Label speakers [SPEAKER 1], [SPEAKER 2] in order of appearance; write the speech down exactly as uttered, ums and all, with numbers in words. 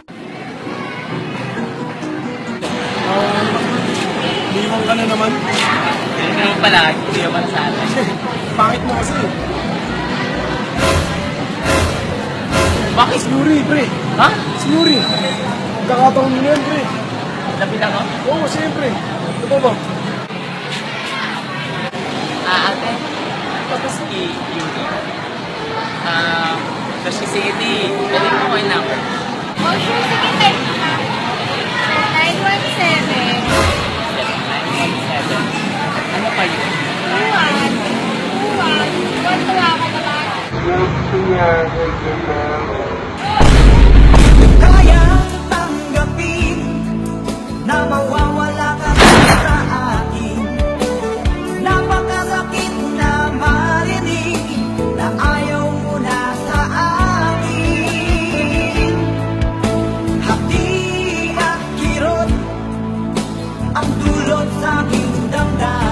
[SPEAKER 1] Liwang ka na naman.
[SPEAKER 2] Hindi naman pala, hindi naman sa atin.
[SPEAKER 1] Pangit mo kasi.
[SPEAKER 2] Bakit?
[SPEAKER 1] Snuri, pre.
[SPEAKER 2] Ha?
[SPEAKER 1] Snuri. Kakataon mo na yan, pre.
[SPEAKER 2] Lapit ako?
[SPEAKER 1] Oo, siyempre. Ito ba ba?
[SPEAKER 2] Ah, ate. Tapos si Yuri. Ah, tapos si City. Balik mo ko yung number.
[SPEAKER 3] Oh, sure. Sige, type mo na. nine one seven,
[SPEAKER 2] seven nine one seven. Ano pa yun?
[SPEAKER 3] two one, two one, one tuwa ka naman.
[SPEAKER 4] Kayang tanggapin na mawawala ka sa akin. Napakasakit na marinig na ayaw mo na sa akin. Hati at kirot ang dulot sa aking damdamin.